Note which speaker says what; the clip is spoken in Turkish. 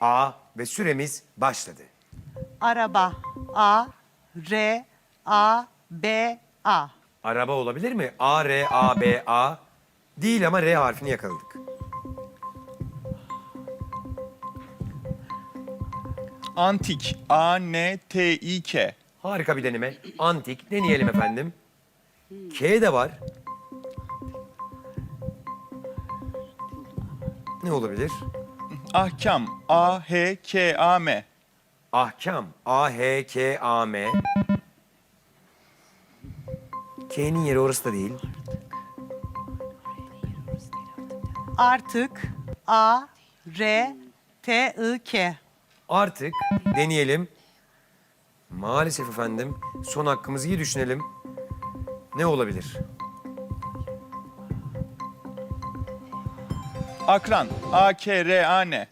Speaker 1: A ve süremiz başladı.
Speaker 2: Araba. A, R, A, B, A.
Speaker 1: Araba olabilir mi? A, R, A, B, A. Değil ama R harfini yakaladık.
Speaker 3: Antik. A-N-T-İ-K.
Speaker 1: Harika bir deneme. Antik. Deneyelim efendim. K de var. Ne olabilir?
Speaker 3: Ahkam. A-H-K-A-M.
Speaker 1: Ahkam. A-H-K-A-M. K'nin yeri orası da değil.
Speaker 2: Artık. A, R, T, I, K.
Speaker 1: Artık deneyelim. Maalesef efendim. Son hakkımızı iyi düşünelim. Ne olabilir?
Speaker 3: Akran. A-K-R-A-N.